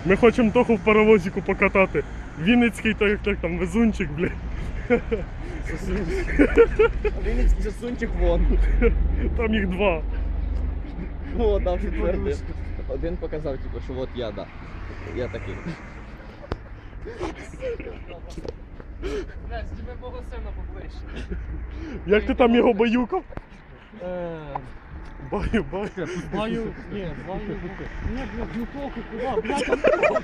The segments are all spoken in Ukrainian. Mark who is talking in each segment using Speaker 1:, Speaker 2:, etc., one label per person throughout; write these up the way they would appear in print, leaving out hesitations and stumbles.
Speaker 1: Ми хочемо Тоху в паровозику покатати. Вінницький, то як там, везунчик, блядь.
Speaker 2: Вінницький засунчик вон.
Speaker 1: Там їх два.
Speaker 2: О, дав четвертий. Один показав, типу, що от я, да. Я такий.
Speaker 3: Блядь, з тебе мого сина поближче.
Speaker 1: Як ти там його баюкав? Баю.
Speaker 3: Баю, ні, баю. Ні, блядь, ну похуй, куди, блядь, там похуй.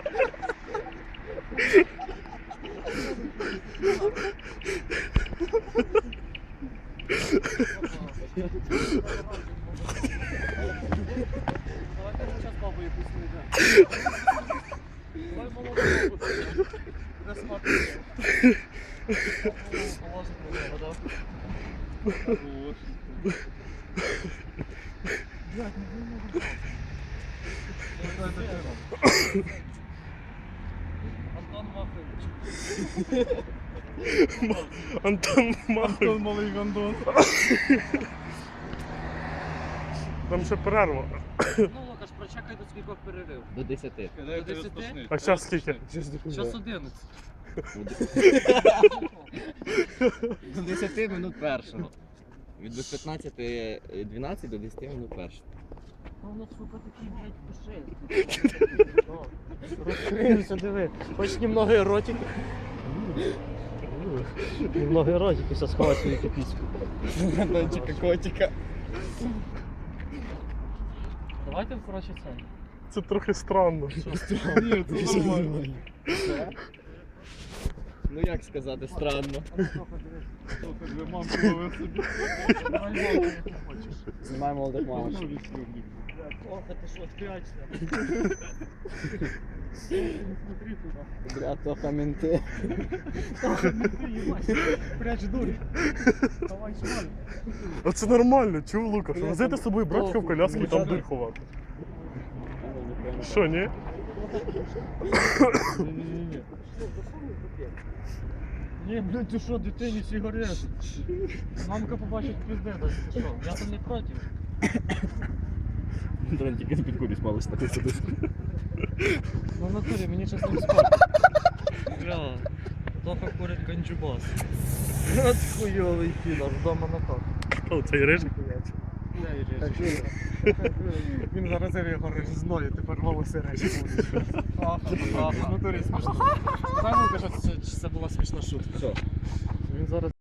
Speaker 3: Давайте ми зараз бабу якусь знайдемо. Давай молодого буде. Буде смачно. Положить на нього, да? Блядь, не вийде. Антон Махович.
Speaker 1: Антон Махович.
Speaker 3: Малий гандон.
Speaker 1: Там ще перерва.
Speaker 3: Ну, Лукаш, прочекай до скількох перерив.
Speaker 2: До 10.
Speaker 3: До 10?
Speaker 1: А зараз скільки?
Speaker 3: Час 11.
Speaker 2: До 10 минут першого. Від 15:12 до 10 минут першого.
Speaker 3: Ну, воно, сука, такий, блядь, пушистий. Розкрився, диви. Хоч немного еротики. Немного еротики, все сховай свою кипіську.
Speaker 2: Дончика, котика.
Speaker 3: Давайте, коротше, це.
Speaker 1: Це трохи странно.
Speaker 2: Ні, це нормально. Ну як сказати, странно. Знімай молодих мамочок.
Speaker 3: Ох, ти що, спрячься. Смотри туди.
Speaker 2: Бля, Тоха менти.
Speaker 3: Прячь дурь. Давай, шмаль.
Speaker 1: Оце нормально, чув, Лукаш? Возити з собою братка в коляску і там дир ховати. Що, ні?
Speaker 3: Ні-ні-ні. Ні, блядь, ти що, дитині сигарет? Мамка побачить пізде, ти що? Я там не проти.
Speaker 2: Дрон тільки з підкурі спали стати.
Speaker 3: Ну, в натурі, мені час не спати. Бля, Тоха курить канджубас. От хуйовий підар, вдома на так.
Speaker 1: О, цей рижик.
Speaker 3: Він заразив його режизною, тепер волоси речі будуть. В натурі смішно. Дай, ну, що це була смішна шутка.
Speaker 2: Що?
Speaker 3: Він зараз